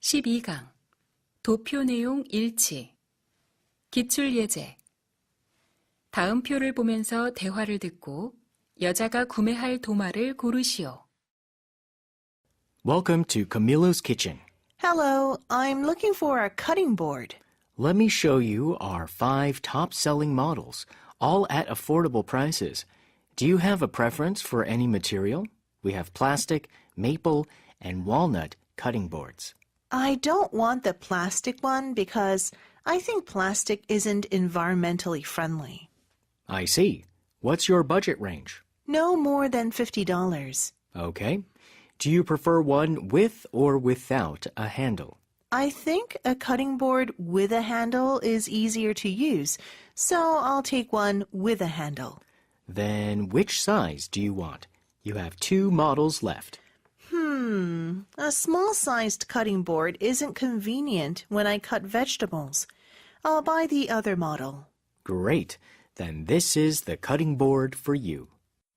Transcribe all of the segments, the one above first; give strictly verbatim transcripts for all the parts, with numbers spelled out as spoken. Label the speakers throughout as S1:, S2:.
S1: 십이 강 도표 내용 일치 기출 예제 다음 표를 보면서 대화를 듣고 여자가 구매할 도마를 고르시오.
S2: Welcome to Camilo's Kitchen.
S3: Hello, I'm looking for a cutting board.
S2: Let me show you our five top-selling models, all at affordable prices. Do you have a preference for any material? We have plastic, maple, and walnut cutting boards.
S3: I don't want the plastic one because I think plastic isn't environmentally friendly.
S2: I see. What's your budget range?
S3: No more than fifty dollars.
S2: Okay. Do you prefer one with or without a handle?
S3: I think a cutting board with a handle is easier to use, so I'll take one with a handle.
S2: Then which size do you want? You have two models left.
S3: Hmm, a small-sized cutting board isn't convenient when I cut vegetables. I'll buy the other model.
S2: Great. Then this is the cutting board for you.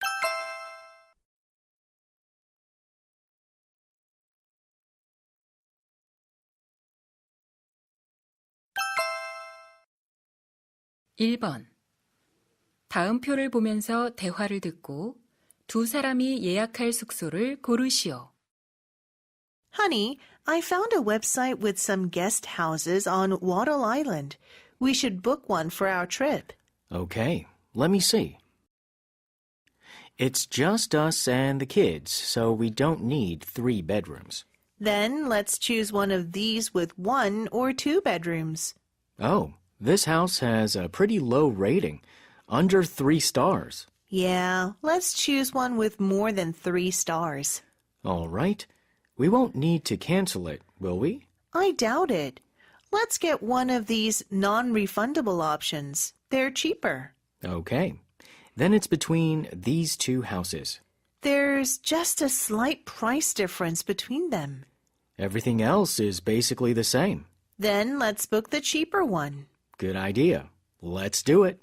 S1: 일 번 다음 표를 보면서 대화를 듣고 두 사람이 예약할 숙소를 고르시오.
S3: Honey, I found a website with some guest houses on Wattle Island. We should book one for our trip.
S2: Okay, let me see. It's just us and the kids, so we don't need three bedrooms.
S3: Then let's choose one of these with one or two bedrooms.
S2: Oh, this house has a pretty low rating, under three stars.
S3: Yeah, let's choose one with more than three stars.
S2: All right. We won't need to cancel it, will we?
S3: I doubt it. Let's get one of these non-refundable options. They're cheaper.
S2: Okay. Then it's between these two houses.
S3: There's just a slight price difference between them.
S2: Everything else is basically the same.
S3: Then let's book the cheaper one.
S2: Good idea. Let's do it.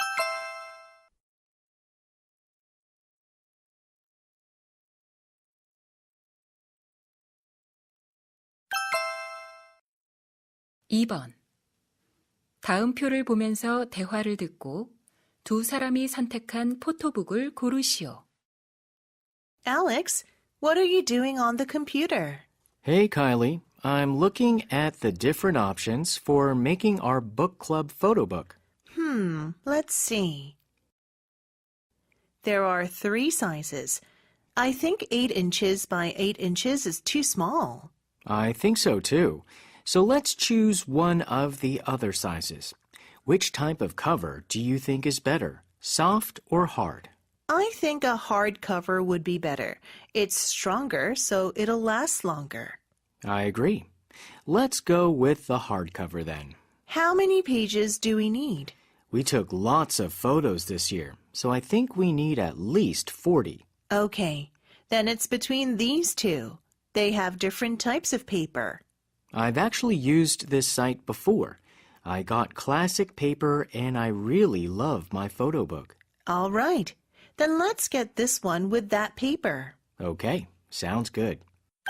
S1: 이 번 다음 표를 보면서 대화를 듣고 두 사람이 선택한 포토북을 고르시오.
S3: Alex, what are you doing on the computer?
S2: Hey, Kylie. I'm looking at the different options for making our book club photo book.
S3: Hmm, let's see. There are three sizes. I think eight inches by eight inches is too small.
S2: I think so too. So let's choose one of the other sizes. Which type of cover do you think is better, soft or hard?
S3: I think a hard cover would be better. It's stronger, so it'll last longer.
S2: I agree. Let's go with the hardcover then.
S3: How many pages do we need?
S2: We took lots of photos this year, so I think we need at least forty.
S3: Okay, then it's between these two. They have different types of paper.
S2: I've actually used this site before. I got classic paper and I really love my photo book.
S3: All right, then let's get this one with that paper.
S2: Okay, sounds good.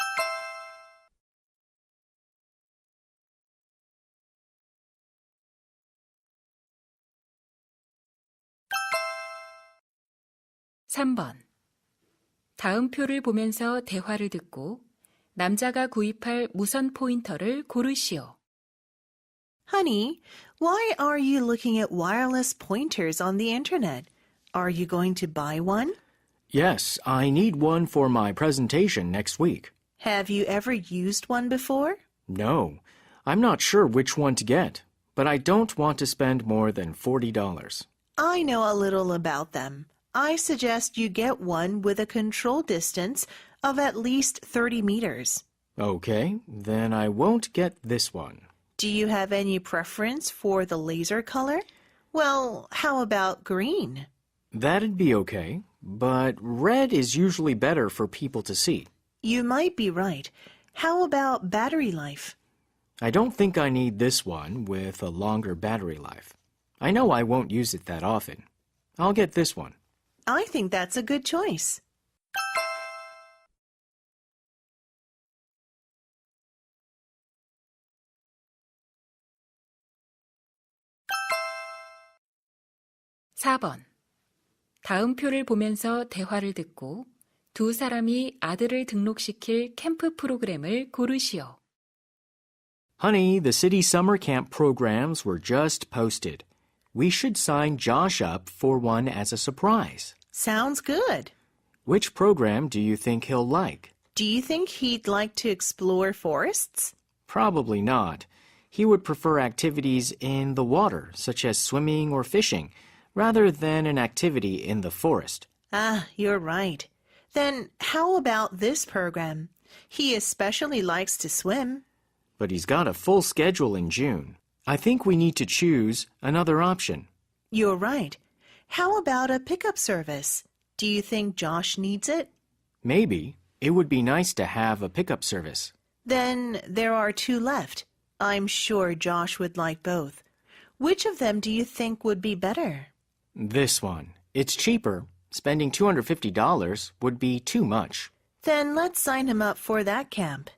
S1: 삼 번 다음 표를 보면서 대화를 듣고 남자가 구입할 무선 포인터를 고르시오.
S3: Honey, why are you looking at wireless pointers on the internet? Are you going to buy one?
S2: Yes, I need one for my presentation next week.
S3: Have you ever used one before?
S2: No, I'm not sure which one to get, but I don't want to spend more than forty dollars.
S3: I know a little about them. I suggest you get one with a control distance of at least thirty meters.
S2: Okay, then I won't get this one.
S3: Do you have any preference for the laser color? Well, how about green?
S2: That'd be okay, but red is usually better for people to see.
S3: You might be right. How about battery life?
S2: I don't think I need this one with a longer battery life. I know I won't use it that often. I'll get this one.
S3: I think that's a good choice.
S1: 사 번. 다음 표를 보면서 대화를 듣고 두 사람이 아들을 등록시킬 캠프 프로그램을 고르시오.
S2: Honey, the city summer camp programs were just posted. We should sign Josh up for one as a surprise.
S3: Sounds good.
S2: Which program do you think he'll like?
S3: Do you think he'd like to explore forests?
S2: Probably not. He would prefer activities in the water, such as swimming or fishing, rather than an activity in the forest.
S3: Ah, you're right. Then how about this program? He especially likes to swim.
S2: But he's got a full schedule in June. I think we need to choose another option.
S3: You're right. How about a pickup service? Do you think Josh needs it?
S2: Maybe. It would be nice to have a pickup service.
S3: Then there are two left. I'm sure Josh would like both. Which of them do you think would be better?
S2: This one. It's cheaper. Spending two hundred fifty dollars would be too much.
S3: Then let's sign him up for that camp.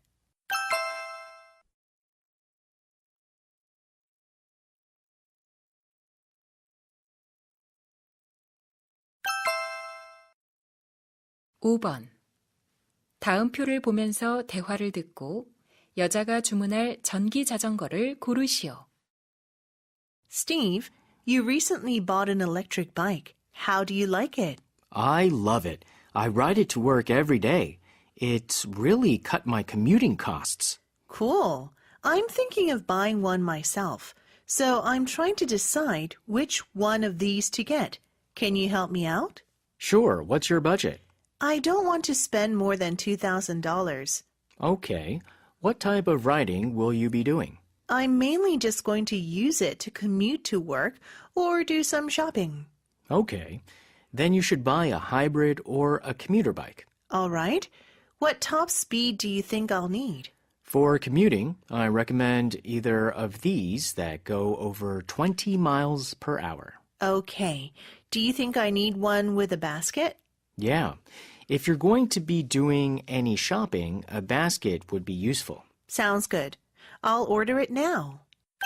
S1: 오 번. 다음 표를 보면서 대화를 듣고 여자가 주문할 전기 자전거를 고르시오.
S3: Steve, you recently bought an electric bike. How do you like it?
S2: I love it. I ride it to work every day. It's really cut my commuting costs.
S3: Cool. I'm thinking of buying one myself, so I'm trying to decide which one of these to get. Can you help me out?
S2: Sure, what's your budget?
S3: I don't want to spend more than two thousand dollars.
S2: Okay. What type of riding will you be doing?
S3: I'm mainly just going to use it to commute to work or do some shopping.
S2: Okay. Then you should buy a hybrid or a commuter bike.
S3: All right. What top speed do you think I'll need?
S2: For commuting, I recommend either of these that go over twenty miles per hour.
S3: Okay. Do you think I need one with a basket?
S2: Yeah. If you're going to be doing any shopping, a basket would be useful.
S3: Sounds good. I'll order it now.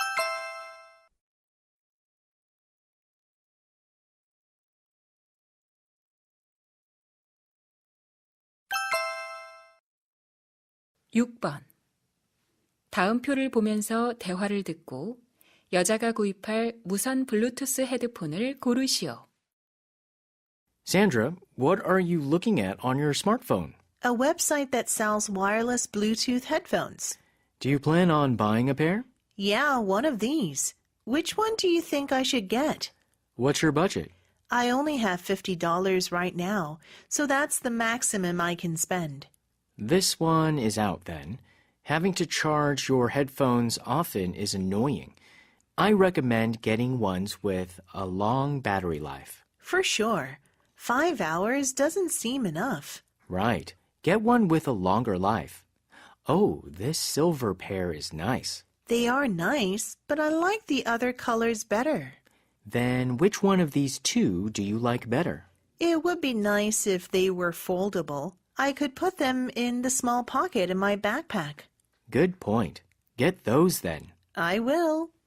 S1: 육 번. 다음 표를 보면서 대화를 듣고 여자가 구입할 무선 블루투스 헤드폰을 고르시오.
S2: Sandra, what are you looking at on your smartphone?
S3: A website that sells wireless Bluetooth headphones.
S2: Do you plan on buying a pair?
S3: Yeah, one of these. Which one do you think I should get?
S2: What's your budget?
S3: I only have fifty dollars right now, so that's the maximum I can spend.
S2: This one is out then. Having to charge your headphones often is annoying. I recommend getting ones with a long battery life.
S3: For sure. Five hours doesn't seem enough.
S2: Right. Get one with a longer life. Oh, this silver pair is nice.
S3: They are nice, but I like the other colors better.
S2: Then which one of these two do you like better?
S3: It would be nice if they were foldable. I could put them in the small pocket in my backpack.
S2: Good point. Get those then.
S3: I will.